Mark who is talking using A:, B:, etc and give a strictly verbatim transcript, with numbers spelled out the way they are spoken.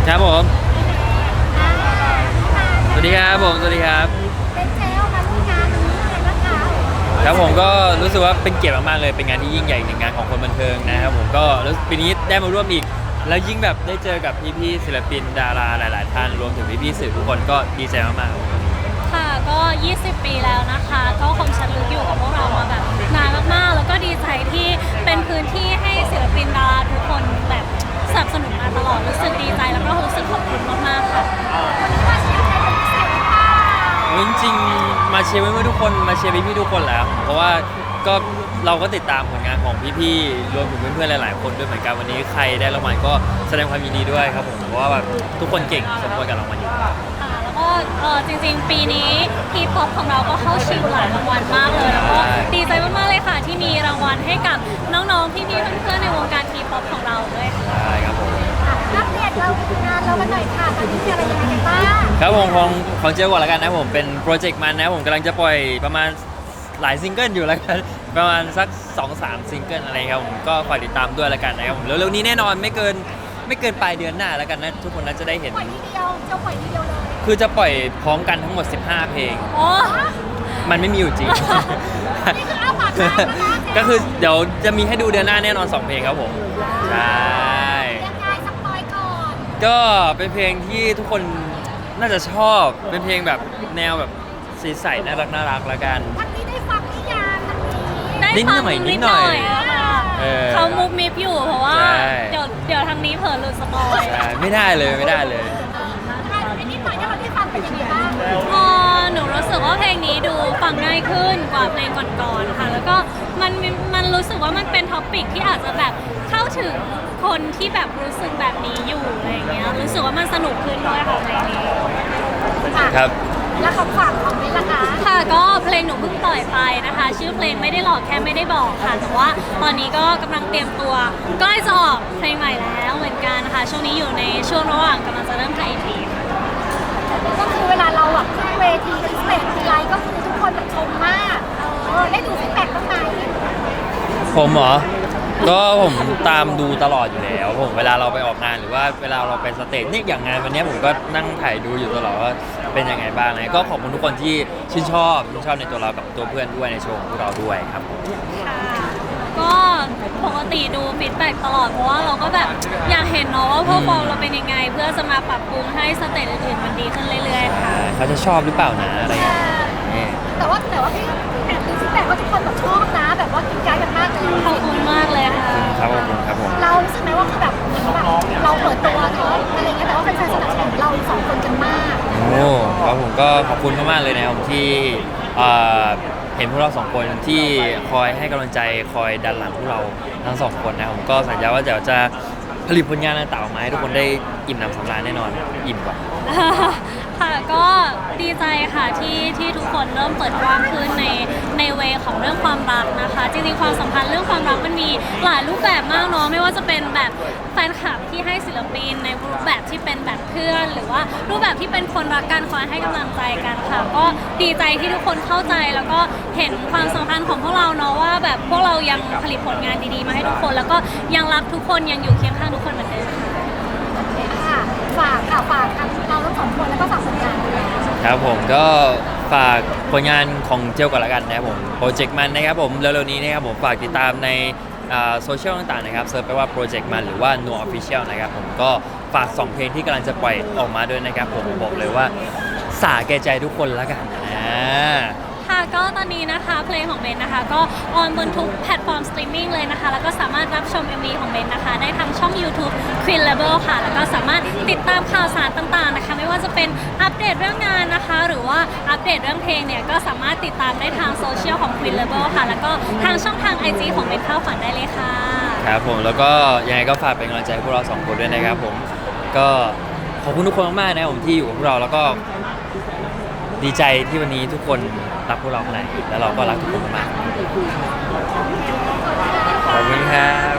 A: ครับผมสวัสดีครับผมสวัสดีครับ
B: เป็นเจลมาร่วมงานนี้เลยนะคะ
A: ครับผมก็รู้สึกว่าเป็นเกียรติมากๆเลยเป็นงานที่ยิ่งใหญ่หนึ่งงานของคนบันเทิงนะครับผมก็รู้สึกปีนี้ได้มาร่วมอีกแล้วยิ่งแบบได้เจอกับพี่ๆศิลปินดาราหลายๆท่านรวมถึงพี่ๆสื่อทุกคนก็ดีใจมากๆ
C: ค่ะก็ยี่สิบปีแล้วนะคะก็คงชันลึกอยู่กับพวกเรามาแบบนานมากๆแล้วก็ดีใจที่เป็นพื้นที่ให้ศิลปินดาราทุกคนแบบสนับสนุนมาตลอดรู้สึกดีใจแล้วก็รู้สึกขอบคุณมากๆค่ะ
B: มาเชียร์ใครเป็นพิเศษหรือเปล่า
A: จริงๆมาเชียร์เพื่อนๆทุกคนมาเชียร์พี่ๆทุกคนแล้วเพราะว่าก็เราก็ติดตามผลงานของพี่ๆรวมถึงเพื่อนๆหลายๆคนด้วยเหมือนกันวันนี้ใครได้รางวัลก็แสดงความยินดีด้วยครับผมเพราะว่าแบบทุกคนเก่งสมควรกับรางวัลอยู่
C: ค่ะแล้วก็เออจริงๆปีนี้ทีป๊อปของเราก็เข้าชิงหลายรางวัลมากเลยแล้วก็ดีใจมากๆเลยค่ะที่มีรางวัลให้กับน้องๆพี่ๆเพื่อนๆในวงการทีป๊อปของเราด้วยค่ะ
A: ใช่ครับผม
B: อัปเดตเรางานเรากันหน่อยค่ะตอนนี้มีอะไรยังไงกันบ้าง
A: ครับผมของของเจลก่อนแล้วกันนะผมเป็นโปรเจกต์มันนะผมกำลังจะปล่อยประมาณหลายซิงเกิลอยู่แล้วกันประมาณสัก สองถึงสาม ซิงเกิลอะไรครับผมก็ฝากติดตามด้วยแล้วกันนะครับผมเร็วๆนี้แน่นอนไม่เกินไม่เกินปลายเดือนหน้าแล้วกันนะทุกคนน่าจะได้เห็น
B: ปล่อยทีเดียวเจ้าปล่อยทีเดียวเลย
A: คือจะปล่อยพร้อมกันทั้งหมดสิบห้าเพลง
C: โอ้
A: มันไม่มีอยู่จริง
B: นี่คือเอาปากกาแล้วนะ
A: ก็คือเดี๋ยวจะมีให้ดูเดือนหน้าแน่นอนสองเพลงครับผมใช่
B: ยังไงสปอยก่อน
A: ก็เป็นเพลงที่ทุกคนน่าจะชอบเป็นเพลงแบบแนวแบบสีใสน่ารักน่ารักแล้วกัน
B: ทั้งนี้ได้ฟังหรือยังทั้งนี้
C: ได้ฟังนิดหน่อยเขามุกมิบอยู่เพราะว่าเดี๋ยวเดี๋ยวทางนี้เผลอหลุดสปอย
A: ไม่ได้เลยไม่ได้เลย
B: อันนี้หน่อยที่เราได้ฟังเป็นยังไงบ้าง
C: พอหนูรู้สึกว่าเพลงนี้ดูฟังง่ายขึ้นกว่าเพลงก่อนๆค่ะแล้วก็มันมันรู้สึกว่ามันเป็นท็อปิกที่อาจจะแบบเข้าถึงคนที่แบบรู้สึกแบบนี้อยู่อะไรเงี้ยรู้สึกว่ามันสนุกขึ้นด้วยค่ะเพลงนี้
A: ครับ
B: แล้วเขาฝากคอมเมนต์ล่ะคะ
C: ค่ะก็เพลงหนูเพิ่งปล่อยไปนะคะชื่อเพลงไม่ได้หลอกแค่ไม่ได้บอกค่ะแต่ว่าตอนนี้ก็กำลังเตรียมตัวใกล้จะออกเพลงใหม่แล้วเหมือนกันนะคะช่วงนี้อยู่ในช่วงระหว่างกำลังจะเริ่มถ่ายที
B: ก็คือเวลาเราแบบขึ้นเวทีขึ้นสเตจทีไรก็คือทุกคนแบบชมมากเออได้ดูฟีดแบ็กบ้างไหม
A: ผมเหรอก็ผมตามดูตลอดอยู่แล้วผมเวลาเราไปออกงานหรือว่าเวลาเราไปสเตจนี่อย่างงานวันนี้ผมก็นั่งถ่ายดูอยู่ตลอดว่าเป็นยังไงบ้างนะก็ขอบคุณทุกคนที่ชื่นชอบชื่นชอบในตัวเรากับตัวเพื่อนด้วยในโชว์ของพวกเราด้วยครับ
C: ค่ะก็ปกติดูฟีดแบ็กตลอดเพราะว่าเราก็แบบอยากเห็นเนาะว่าพวกเราเราเป็นยังไงเพื่อจะมาปรับปรุงให้สเตจอื่นๆมันดีขึ้นเรื่อยๆค่ะ
A: เขาจะชอบหรือเปล่านะอะไรอย่างเงี้ย
B: แต่ว่าแต่ว่าพี่แอบดูฟีดแบ็กว่าทุกคนแบบชอบนะแบบว่ากินใจกันมากเลย
C: ขอบคุณมากเลยค่ะ
A: ครับผมครับผม
B: เรารู้สึกไหมว่าคือแบบแบบเราเปิดตัวเนาะอะไรเงี้ยแต่ว่าแฟนๆสนับสนุนเราสองคนกันมาก
A: โอ้ครับผมก็ขอบคุณมากๆเลยนะครับที่เห็นพวกเราสองคนที่คอยให้กำลังใจคอยดันหลังพวกเราทั้งสองคนนะผมก็สัญญาว่าเดี๋ยวจะผลิตผลงานต่างๆออกมาให้ทุกคนได้อิ่มหนำสำราญแน่นอนอิ่มกว่า
C: ค่ะก็ดีใจค่ะที่ที่ทุกคนเริ่มเปิดกว้างขึ้นในในเวของเรื่องความรักนะคะจริงๆความสัมพันธ์เรื่องความรักมันมีหลายรูปแบบมากเนาะไม่ว่าจะเป็นแบบแฟนคลับที่ให้ศิลปินในรูปแบบที่เป็นแบบเพื่อนหรือว่ารูปแบบที่เป็นคนรักกันคอยให้กำลังใจกันค่ะก็ดีใจที่ทุกคนเข้าใจแล้วก็เห็นความสัมพันธ์ของพวกเราเนาะว่าแบบพวกเรายังผลิตผลงานดีๆมาให้ทุกคนแล้วก็ยังรักทุกคนยังอยู่เคียงข้างทุกคนเหมือนเดิม
B: ค่ะฝากค่ะฝากทั้งเราทั้งสองคนแล้วก็ฝากผลงานด้วย
A: ครับผมก็ฝากผลงานของเจลก่อนละกันนะครับผมโปรเจกต์มันนะครับผมเร็วๆนี้นะครับผมฝากติดตามในโซเชียลต่างๆนะครับเซิร์ชไปว่าโปรเจกต์มันหรือว่า No Official นะครับผมก็ฝากสองเพลงที่กำลังจะปล่อยออกมาด้วยนะครับผมบอกเลยว่าสาแก่ใจทุกคนละกันอ่า
C: ค่ะก็ตอนนี้นะคะเพลงของเบนนะคะก็ออนบนทุกแพลตฟอร์มสตรีมมิ่งเลยนะคะแล้วก็สามารถรับชม เอ็ม วี ของเบนนะคะได้ทางช่อง YouTube Queen Label ค่ะแล้วก็สามารถติดตามข่าวสารต่างๆนะคะไม่ว่าจะเป็นอัปเดตเรื่องงานนะคะหรือว่าอัปเดตเรื่องเพลงเนี่ยก็สามารถติดตามได้ทางโซเชียลของ Queen Label ค่ะแล้วก็ทางช่องทาง ไอ จี ของเบนเข้าฝันได้เลยค่ะ
A: ครับผมแล้วก็ยังไงก็ฝากเป็นกำลังใจให้พวกเราสองคนด้วยนะครับผมก็ขอบคุณทุกคนมากๆนะครับผมที่อยู่กับพวกเราแล้วก็ดีใจที่วันนี้ทุกคนรักพวกเราขนาดนี้แล้วเราก็รักทุกคนมากขอบคุณครับ